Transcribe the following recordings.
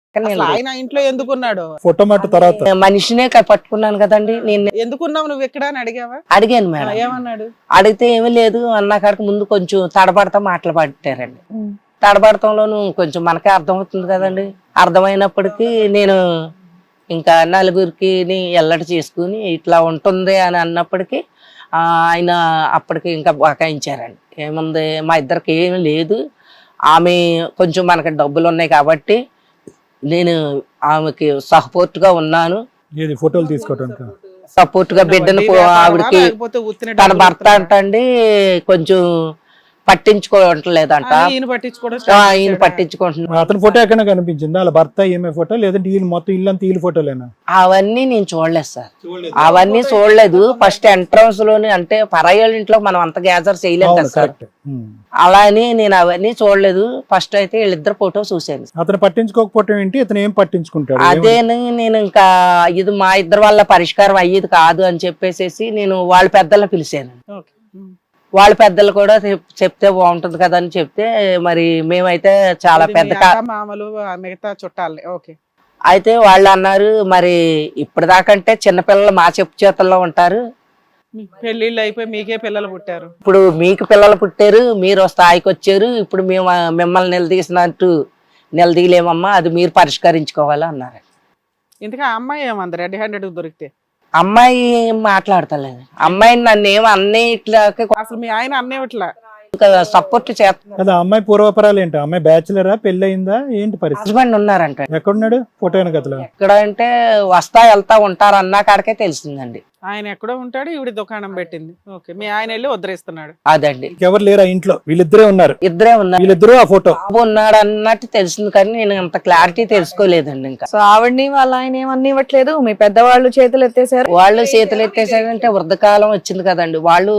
అసలు ఆయన ఇంట్లో ఎందుకున్నాడు? ఫోటో మాట తర్వాత మనిషినే పట్టుకున్నాను కదండి నేను. ఎందుకున్నావు నువ్వు ఇక్కడ అని అడిగావా? అడిగాను మేడం. ఏమన్నాడు? అడిగితే ఏమీ లేదు అన్న కాడికి ముందు కొంచెం తడబడతా మాటలు పట్టారండి. తడబడతంలోను కొంచెం మనకే అర్థమవుతుంది కదండి. అర్థమైనప్పటికీ నేను ఇంకా నలుగురికి ఎల్లడి చేసుకుని ఇట్లా ఉంటుంది అని అన్నప్పటికీ ఆయన అప్పటికి ఇంకా బకాయించారండి. ఏముంది మా ఇద్దరికి ఏమీ లేదు, ఆమె కొంచెం మనకి డబ్బులు ఉన్నాయి కాబట్టి నేను ఆమెకి సపోర్ట్ గా ఉన్నాను. ఫోటోలు తీసుకోవడానికి సపోర్ట్ గా బిడ్డను ఆవిడకి తన భర్త అంటండి కొంచెం పట్టించుకోవట్లేదంట. ఈయన పట్టించుకుంటున్నాడు. అతని ఫోటో ఎక్కడ కనిపించింది? వాళ్ళ భర్త ఏమే ఫోటో లేదంటే ఈయన మొత్తం ఇల్లంతా ఈయన ఫోటోలేనా? అవన్నీ నేను చూడలేదు సార్, అవన్నీ చూడలేదు. ఫస్ట్ ఎంట్రన్స్ లోని అంటే పరాయాల ఇంట్లో మనం అంత గ్యాదర్ చేయలేదు కదా సార్, అలా అని నేను అవన్నీ చూడలేదు. ఫస్ట్ అయితే వీళ్ళిద్దరు ఫోటో చూశాను. అతను పట్టించుకోకపోవటం ఏంటి, అతను ఏం పట్టించుకుంటాడు? అదేని నేను ఇంకా ఇది మా ఇద్దరు వాళ్ళ పరిష్కారం అయ్యేది కాదు అని చెప్పేసి నేను వాళ్ళ పెద్దలను పిలిచాను. వాళ్ళ పెద్దలు కూడా చెప్తే బాగుంటుంది కదా అని చెప్తే మరి మేమైతే చాలా పెద్ద మామలు మిగతా చుట్టాలి. ఓకే. అయితే వాళ్ళు అన్నారు మరి ఇప్పటిదాకంటే చిన్నపిల్లలు మా చెప్పు చేతుల్లో ఉంటారు, పెళ్లిళ్ళు అయిపోయి మీకే పిల్లలు పుట్టారు, ఇప్పుడు మీకు పిల్లలు పుట్టారు, మీరు స్థాయికి వచ్చారు, ఇప్పుడు మేము మిమ్మల్ని నిలదీసినట్టు నిలదీయలేమమ్మా, అది మీరు పరిష్కరించుకోవాలి అన్నారు. ఇంతగా అమ్మాయి ఏమంది రెడ్ హ్యాండెడ్ దొరికితే? అమ్మాయి మాట్లాడతలేదు. అమ్మాయిని నన్ను ఏమో అన్నిట్లా అసలు మీ ఆయన అన్నేవట్లా ఇంకా సపోర్ట్ చేస్తా. అమ్మాయి పూర్వపరాలు ఏంటి? అమ్మాయి బ్యాచులరా, పెళ్లి అయిందా, ఏంటి పరిస్థితి? హస్బెండ్ ఉన్నారంట. ఎక్కడున్నాడు? ఫోటో కథలో ఎక్కడ అంటే వస్తా వెళ్తా ఉంటారు అన్నా కాడికే తెలిసిందండి. ఆయన ఎక్కడో ఉంటాడు, ఈవిడ దుకాణం పెట్టింది. ఓకే. మీ ఆయన వెళ్ళి వదిలేస్తున్నాడు. అదండి. ఎవరు లేరా ఇంట్లో? వీళ్ళిద్దరే ఉన్నారు. ఇద్దరే ఉన్నారు. వీళ్ళిద్దరు ఆ ఫోటో బాబు ఉన్నాడు అన్నట్టు తెలిసింది కానీ నేను అంత క్లారిటీ తెలుసుకోలేదండి. ఇంకా సో ఆవిడ్ని వాళ్ళ ఆయన ఏమన్నా ఇవ్వట్లేదు, మీ పెద్దవాళ్ళు చేతులు ఎత్తేసారు. వాళ్ళు చేతులు ఎత్తేసారంటే వృద్ధకాలం వచ్చింది కదండి. వాళ్ళు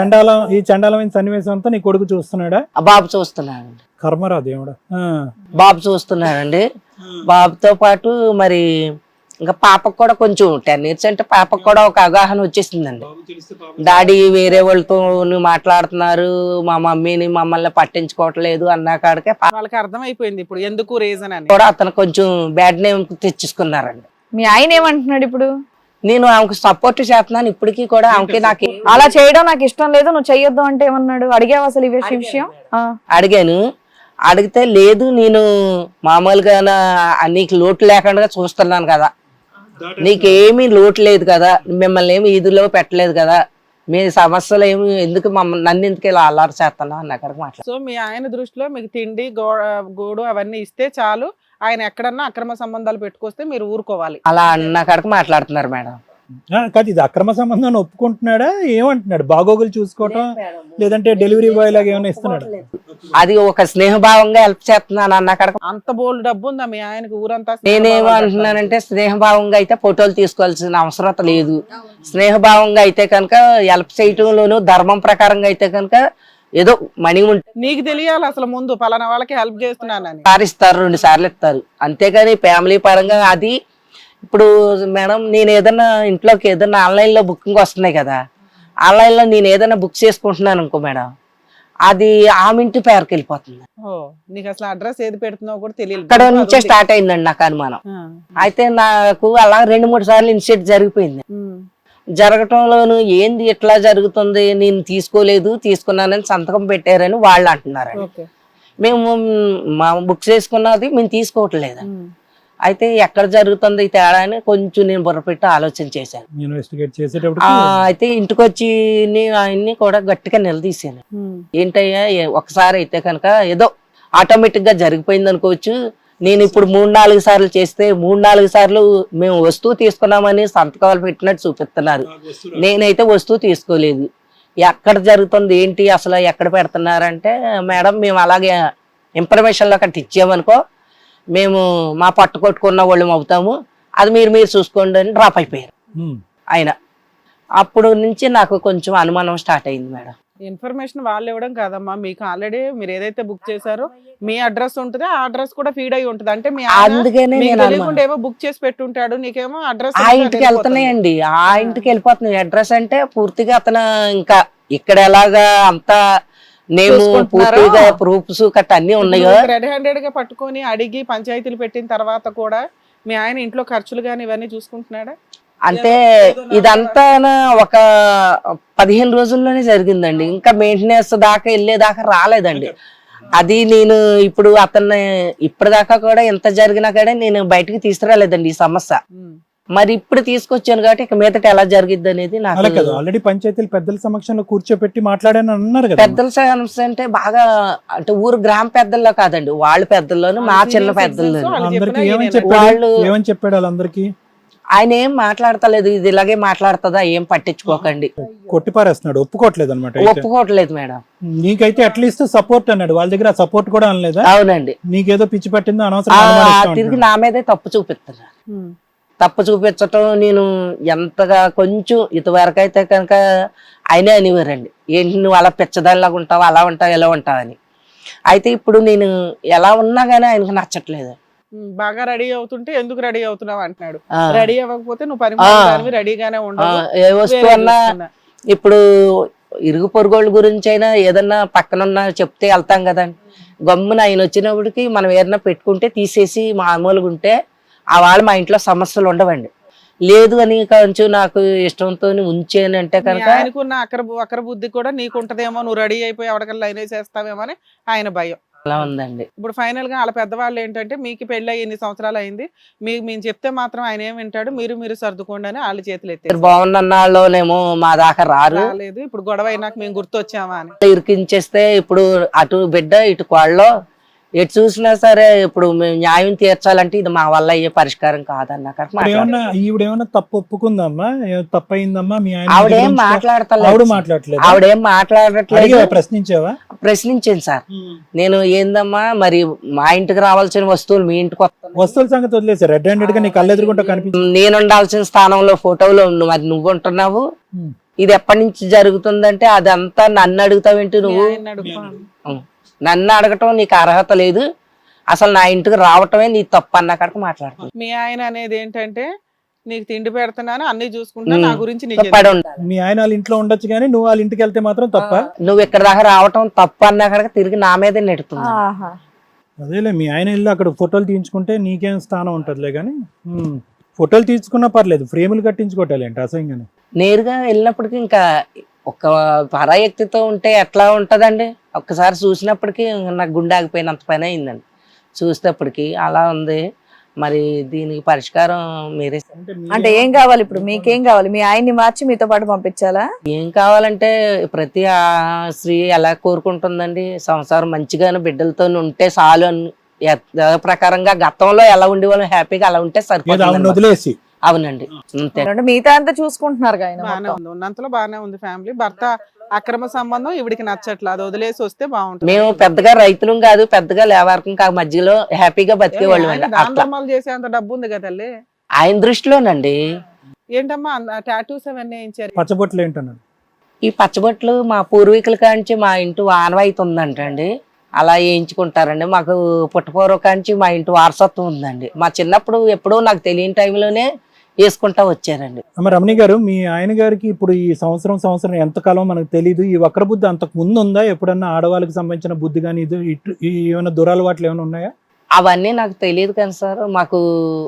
ఈ చండాలమైన సన్నివేశం అంతా నీ కొడుకు చూస్తున్నాడా? బాబు చూస్తున్నాడండి. కర్మరా దేవుడా. బాబు చూస్తున్నాడండి. బాబుతో పాటు మరి ఇంకా పాపకు కూడా కొంచెం 10 years అంటే పాపకు కూడా ఒక అవగాహన వచ్చేసిందండి. డాడీ వేరే వాళ్ళతో మాట్లాడుతున్నారు, మా మమ్మీని మమ్మల్ని పట్టించుకోవట్లేదు అన్నా కాడికే వాళ్ళకి అర్థమైపోయింది ఇప్పుడు ఎందుకు రీజన్ అని కూడా అతను కొంచెం బ్యాడ్ నేమ్ తెచ్చేసుకున్నారండి. మీ ఆయన ఏమంటున్నాడు ఇప్పుడు? నేను ఆమెకు సపోర్ట్ చేస్తున్నాను ఇప్పటికీ కూడా. ఆమెకి నాకు అలా చేయడం నాకు ఇష్టం లేదు, నువ్వు చెయ్యొద్దు అంటే ఏమన్నాడు? అడిగావు అసలు ఈ విషయం? అడిగాను. అడిగితే లేదు నేను మామూలుగా నీకు లోటు లేకుండా చూస్తున్నాను కదా, నీకేమీ లోటు లేదు కదా, మిమ్మల్ని ఏమి ఈదులో పెట్టలేదు కదా, మీ సమస్యలు ఏమి ఎందుకు నన్ను ఎందుకు ఇలా అల్లారు చేస్తున్నా అని అక్కడికి మాట్లాడు. సో మీ ఆయన దృష్టిలో మీకు తిండి గోడు అవన్నీ ఇస్తే చాలు, ఆయన ఎక్కడన్నా అక్రమ సంబంధాలు పెట్టుకొస్తే మీరు ఊరుకోవాలి అలా అన్న కాడికి మాట్లాడుతున్నారు మేడం. కాదు, ఇది అక్రమ సంబంధాన్ని ఒప్పుకుంటున్నాడా? ఏమంటున్నాడు? బాగోగులు చూసుకోవటం లేదంటే డెలివరీ బాయ్ లాగా ఏమైనా ఇస్తున్నాడు? అది ఒక స్నేహభావంగా హెల్ప్ చేస్తున్నాను అన్న కాడికి. అంత బోల్డ్ డబ్బు ఉందా మీ ఆయనకు ఊరంతా? నేనేమంటున్నానంటే స్నేహభావంగా అయితే ఫోటోలు తీసుకోవాల్సిన అవసరం లేదు. స్నేహభావంగా అయితే కనుక హెల్ప్ చేయటంలోను ధర్మం ప్రకారంగా అయితే కనుక ఏదో మనీ ఉంటుంది. నీకు తెలియాలి అసలు ముందు పలానా వాళ్ళకి హెల్ప్ చేస్తున్నానని. ఇస్తారు, 2 సార్లు ఇస్తారు, అంతేగాని ఫ్యామిలీ పరంగా అది. ఇప్పుడు మేడం నేను ఏదైనా ఇంట్లోకి ఏదైనా ఆన్లైన్లో బుకింగ్ వస్తున్నాయి కదా, ఆన్లైన్లో నేను ఏదైనా బుక్ చేసుకుంటున్నాను అనుకో మేడం, అది ఆమె ఇంటి పేరుకి వెళ్ళిపోతుంది. నీకు అసలు అడ్రస్ ఏది పెడుతున్నావు కూడా తెలియదు. ఇక్కడ నుంచే స్టార్ట్ అయిందండి నాకు అనుమానం. అయితే నాకు అలా 2-3 సార్లు ఇన్సిడెంట్ జరిగిపోయింది. జరగటంలోను ఏంది ఇట్లా జరుగుతుంది, నేను తీసుకోలేదు, తీసుకున్నానని సంతకం పెట్టారని వాళ్ళు అంటున్నారు. మేము బుక్ చేసుకున్నది మేము తీసుకోవట్లేదు. అయితే ఎక్కడ జరుగుతుంది ఈ తేడా అని కొంచెం నేను బుర్రపెట్టి ఆలోచన చేశాను. అయితే ఇంటికి వచ్చి ఆయన్ని కూడా గట్టిగా నిలదీశాను. ఏంటయ్యా ఒకసారి అయితే కనుక ఏదో ఆటోమేటిక్ గా జరిగిపోయింది అనుకోవచ్చు, నేను ఇప్పుడు 3-4 సార్లు చేస్తే 3-4 సార్లు మేము వస్తువు తీసుకున్నామని సంతకాలు పెట్టినట్టు చూపిస్తున్నారు, నేనైతే వస్తువు తీసుకోలేదు. ఎక్కడ జరుగుతుంది ఏంటి అసలు ఎక్కడ పెడుతున్నారంటే మేడం మేము అలాగే ఇన్ఫర్మేషన్లో అక్కడ ఇచ్చామనుకో మేము మా పట్టు కొట్టుకున్న వాళ్ళం అవుతాము, అది మీరు చూసుకోండి అని డ్రాప్ అయిపోయారు ఆయన. అప్పుడు నుంచి నాకు కొంచెం అనుమానం స్టార్ట్ అయింది మేడం. ఇన్ఫర్మేషన్ వాళ్ళు ఇవ్వడం కాదమ్మా, మీకు ఆల్రెడీ మీరు ఏదైతే బుక్ చేశారో మీ అడ్రస్ ఉంటుంది, ఆ అడ్రస్ కూడా ఫీడ్ అయి ఉంటుంది. అంటే మీ ఏమో బుక్ చేసి పెట్టుంటాడు, నీకేమో అడ్రస్ ఆ ఇంటికి వెళ్తున్నాయండి, ఆ ఇంటికి వెళ్ళిపోతున్నాయి. అడ్రస్ అంటే పూర్తిగా అతను ఇంకా ఇక్కడ ఎలాగా అంతా నేను చూసుకుంటున్నారో? పూర్తిగా ప్రూఫ్స్ కట్ట అన్ని ఉన్నాయో. రెడ్ హ్యాండెడ్ గా పట్టుకొని అడిగి పంచాయతీలు పెట్టిన తర్వాత కూడా మీ ఆయన ఇంట్లో ఖర్చులు గాని ఇవన్నీ చూసుకుంటున్నాడా? అంటే ఇదంతా ఒక 15 రోజుల్లోనే జరిగిందండి. ఇంకా మెయింటెనెన్స్ దాకా వెళ్ళేదాకా రాలేదండి. అది నేను ఇప్పుడు అతన్ని ఇప్పటిదాకా కూడా ఎంత జరిగినా కూడా నేను బయటకు తీసుకురాలేదండి ఈ సమస్య. మరి ఇప్పుడు తీసుకొచ్చాను కాబట్టి ఇక మీదట ఎలా జరిగిద్ది అనేది అలా నాకు. కదా, ఆల్రెడీ పంచాయతీలు పెద్దల సమక్షంలో కూర్చోపెట్టి మాట్లాడాను అన్నారు కదా. పెద్దల సమస్య అంటే బాగా అంటే ఊరు గ్రామ పెద్దల్లో కాదండి, వాళ్ళ పెద్దల్లోనూ మా చిన్న పెద్దల్లోనూ. అందరికి ఏమని చెప్పాడు? వాళ్ళు ఏమని చెప్పాడు వాళ్ళందరికీ? ఆయన ఏం మాట్లాడతలేదు, ఇది ఇలాగే మాట్లాడుతుందా, ఏం పట్టించుకోకండి, కొట్టిపారేస్తున్నాడు, ఒప్పుకోవట్లేదు అనమాట. ఒప్పుకోవట్లేదు మేడం. నీకైతే అట్లీస్ట్ సపోర్ట్ అన్నాడు, వాళ్ళ దగ్గర సపోర్ట్ కూడా అనలేదా? అవునండి. నీకేదో పిచ్చి పట్టిందో తిరిగి అనవసరం నా మీదే తప్పు చూపిస్తున్నారు. తప్పు చూపించటం నేను ఎంతగా కొంచెం ఇదివరకు అయితే కనుక ఆయనే అనేవారండి, ఏంటి నువ్వు అలా పిచ్చదానిలాగా ఉంటావు, అలా ఉంటావు, ఇలా ఉంటావు అని. అయితే ఇప్పుడు నేను ఎలా ఉన్నా గానీ ఆయనకు నచ్చట్లేదు. బాగా రెడీ అవుతుంటే ఎందుకు రెడీ అవుతున్నావు అంటున్నాడు. ఆ. రెడీ అవ్వకపోతే నువ్వు పరిమాణాన్ని రెడీగానే ఉండవు. ఏ వస్తువు అన్నా ఇప్పుడు ఇరుగు పొరుగోళ్ళ గురించి అయినా ఏదన్నా పక్కనున్నా చెప్తే వెళ్తాం కదండి. గమ్మున ఆయన వచ్చినప్పటికి మనం ఏదైనా పెట్టుకుంటే తీసేసి మామూలుగా ఉంటే ఆ వాళ్ళు మా ఇంట్లో సమస్యలు ఉండవండి. లేదు అని కొంచెం నాకు ఇష్టంతో ఉంచేనంటే కనుక ఆయనకున్న అక్కర బుద్ధి కూడా నీకు ఉంటదేమో, నువ్వు రెడీ అయిపోయి ఎవరికల్లా లైన్ వేసేస్తావేమో అని ఆయన భయం. అలా ఉందండి. ఇప్పుడు ఫైనల్ గా వాళ్ళ పెద్దవాళ్ళు ఏంటంటే మీకు పెళ్ళి ఎన్ని సంవత్సరాలు అయింది, మేము చెప్తే మాత్రం ఆయన ఏం వింటాడు, మీరు సర్దుకోండి అని వాళ్ళ చేతులు ఎత్తారు. బాగున్నన్నాళ్ళేమో మా దాకా రాలేదు, ఇప్పుడు గొడవ అయినాక మేము గుర్తొచ్చామా అని ఇరికించేస్తే ఇప్పుడు అటు బిడ్డ ఇటు కోళ్ళలో ఎటు చూసినా సరే ఇప్పుడు మేము న్యాయం తీర్చాలంటే ఇది మా వల్ల అయ్యే పరిష్కారం కాదన్న ఏమన్నా ఈవిడేమన్నా తప్పు ఒప్పుకుందమ్మా? తప్పు అయిందమ్మా మీ ఆయన? ఆవిడేం మాట్లాడతలేదు. ఆవిడేం మాట్లాడట్లేదు. ప్రశ్నించావా? ప్రశ్నించాను సార్ నేను, ఏందమ్మా మరి మా ఇంటికి రావాల్సిన వస్తువులు మీ ఇంటికి వస్తువుల సంగతి వదిలేసారు, రెడ్ హ్యాండెడ్ గా నీ కళ్ళు ఎదురుకుంటా కనిపించింది. నేను ఉండాల్సిన స్థానంలో ఫోటోలో మరి నువ్వు ఉంటున్నావు, ఇది ఎప్పటి నుంచి జరుగుతుందంటే అదంతా నన్ను అడుగుతావేంటి నువ్వు? నన్ను అడగటం నీకు అర్హత లేదు, అసలు నా ఇంటికి రావటమే నీ తప్పు అన్న కాడికి మాట్లాడుతుంది. మీ ఆయన అనేది ఏంటంటే నీకు తిండి పెడుతున్నాను, అన్ని చూసుకుంటా, నా గురించి పడి ఉండాలి. మీ ఆయన వాళ్ళ ఇంట్లో ఉండొచ్చు కానీ నువ్వు వాళ్ళ ఇంటికి వెళ్తే మాత్రం తప్ప? నువ్వు ఇక్కడ దాకా రావటం తప్పు అన్న కాడికి తిరిగి నా మీదే నెడుతుంది. అదేలే, మీ ఆయన ఇల్లు అక్కడ ఫోటోలు తీయించుకుంటే నీకేం స్థానం ఉంటదిలే కానీ ఫోటోలు తీసుకున్నా పర్లేదు, ఫ్రేములు కట్టించుకోవటాలి అంటే అసహ్యంగానే. నేరుగా వెళ్ళినప్పటికీ ఇంకా ఒక పరాయక్తితో ఉంటే ఎట్లా ఉంటదండి, ఒక్కసారి చూసినప్పటికీ నాకు గుండె ఆగిపోయినంత పని అయిందండి చూసేటప్పటికి. అలా ఉంది. మరి దీనికి పరిష్కారం మీరే. అంటే ఏం కావాలి ఇప్పుడు? మీకేం కావాలి? మీ ఆయన్ని మార్చి మీతో పాటు పంపించాలా? ఏం కావాలంటే ప్రతి స్త్రీ ఎలా కోరుకుంటుందండి, సంసారం మంచిగానే బిడ్డలతో ఉంటే చాలు అని ప్రకారంగా గతంలో ఎలా ఉండేవాళ్ళం హ్యాపీగా అలా ఉంటే సరిపోతుంది. వదిలేసి. అవునండి అంతే. మిగతా అంతా చూసుకుంటున్నారు బాగానే ఉంది, ఉన్నంతలో బాగానే ఉంది ఫ్యామిలీ. భర్త అక్రమ సంబంధం ఇవిడికి నచ్చట్లేదు, అది వదిలేసి వస్తే బాగుంటుంది. మేము పెద్దగా రైతులం కాదు, పెద్దగా లేవారకం కాదు, మధ్యలో హ్యాపీగా బతికేవాళ్ళు అండి. దాంట్లో చేసే అంత డబ్బు ఉంది కదా తల్లి ఆయన దృష్టిలోనండి. ఏంటమ్మా టాటూస్ అవన్నీ వేయించారు? పచ్చబొట్లు ఏంటన్నాడు? ఈ పచ్చబొట్లు మా పూర్వీకుల కాంచి మా ఇంటి ఆనవాయితీ ఉందంటండి, అలా వేయించుకుంటారండి. మాకు పుట్టపూర్వ కాంచి మా ఇంటి వారసత్వం ఉందండి. మా చిన్నప్పుడు ఎప్పుడో నాకు తెలియని టైంలోనే వేసుకుంటా వచ్చారండి. రమణి గారు, మీ ఆయన గారికి ఇప్పుడు ఈ సంవత్సరం ఎంతకాలం మనకు తెలియదు, ఈ వక్ర బుద్ధి అంతకు ముందు ఉందా? ఎప్పుడన్నా ఆడవాళ్ళకి సంబంధించిన బుద్ధి కానీ ఇది ఏమైనా దురలవాట్లు ఏమైనా ఉన్నాయా? అవన్నీ నాకు తెలియదు కానీ సార్, మాకు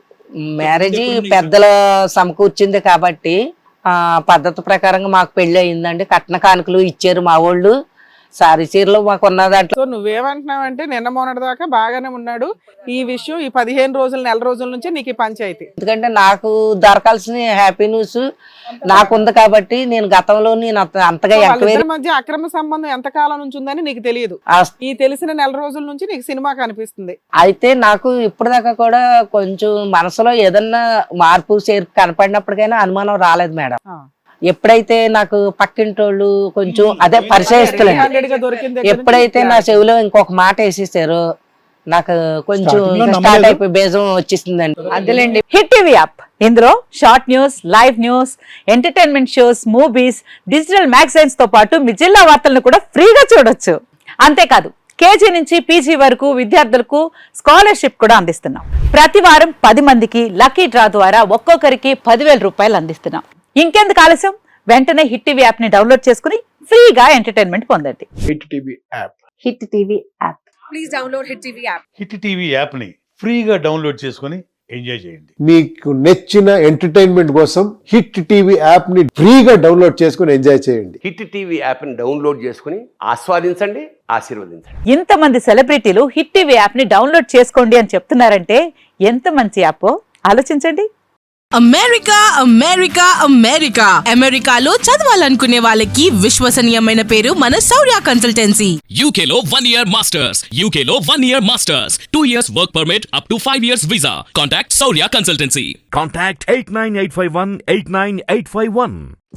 మ్యారేజ్ పెద్దల సమకూర్చింది కాబట్టి ఆ పద్ధతి ప్రకారంగా మాకు పెళ్లి అయిందండి. కట్న కానుకలు ఇచ్చారు మా వాళ్ళు, సారీ చీరలు మాకు ఉన్న దాంట్లో. సో నువ్వేమంటున్నావంటే నిన్న మొన్నటి దాకా బాగానే ఉన్నాడు, ఈ విషయం ఈ 15 రోజులు నెల రోజుల నుంచి నీకు ఈ పంచాయతీ. ఎందుకంటే నాకు దొరకాల్సిన హ్యాపీ న్యూస్ నాకుంది కాబట్టి నేను గతంలో నేను అంతగా వాళ్ళిద్దరి మధ్య అక్రమ సంబంధం ఎంత కాలం నుంచి ఉందని నీకు తెలియదు, ఈ తెలిసిన నెల రోజుల నుంచి నీకు సినిమా కనిపిస్తుంది. అయితే నాకు ఇప్పటిదాకా కూడా కొంచెం మనసులో ఏదన్నా మార్పు చేర్పు కనపడినప్పటికైనా అనుమానం రాలేదు మేడం. ఎప్పుడైతే నాకు పక్కింటోళ్ళు కొంచెం అదే పరిచయస్తులండి, ఎప్పుడైతే నా చెవిలో ఇంకొక మాట వేసేసారో నాకు కొంచెం స్టార్ట్ అయిపోయి బేజం వచ్చేసిందండి. అదేలేండి. హిట్ టీవీ యాప్, ఇందులో short news, live news, entertainment shows, movies, digital magazines తో పాటు మీ జిల్లా వార్తలను కూడా ఫ్రీగా చూడొచ్చు. అంతేకాదు కేజీ నుంచి పీజీ వరకు విద్యార్థులకు స్కాలర్షిప్ కూడా అందిస్తున్నాం. ప్రతి వారం 10 మందికి లక్కీ డ్రా ద్వారా ఒక్కొక్కరికి 10,000 రూపాయలు అందిస్తున్నాం. ఇంకెందుకు ఆలస్యం, వెంటనే హిట్ టీవీ యాప్ ని డౌన్లోడ్ చేసుకుని ఫ్రీగా ఎంటర్టైన్మెంట్ పొందండి. Hit TV app. Hit TV app. Hit TV యాప్ని ఫ్రీగా డౌన్లోడ్ చేసుకొని ఎంజాయ్ చేయండి. మీకు నచ్చిన ఎంటర్టైన్మెంట్ కోసం హిట్ టీవీ యాప్ ని ఫ్రీగా డౌన్లోడ్ చేసుకొని ఎంజాయ్ చేయండి. హిట్ టీవీ యాప్ని డౌన్లోడ్ చేసుకుని ఆస్వాదించండి, ఆశీర్వదించండి. ఇంతమంది సెలబ్రిటీలు హిట్ టీవీ యాప్ ని డౌన్లోడ్ చేసుకోండి అని చెప్తున్నారంటే ఎంత మంచి యాప్ ఆలోచించండి. అమెరికా అమెరికా అమెరికా అమెరికాలో చదవాలనుకునే వాళ్ళకి విశ్వసనీయమైన పేరు మన శౌర్య కన్సల్టెన్సీ. UK లో 1 year masters, UK లో 1 year masters, 2 years work permit up to 5 years visa. Contact Saurya Consultancy. Contact 89851 89851.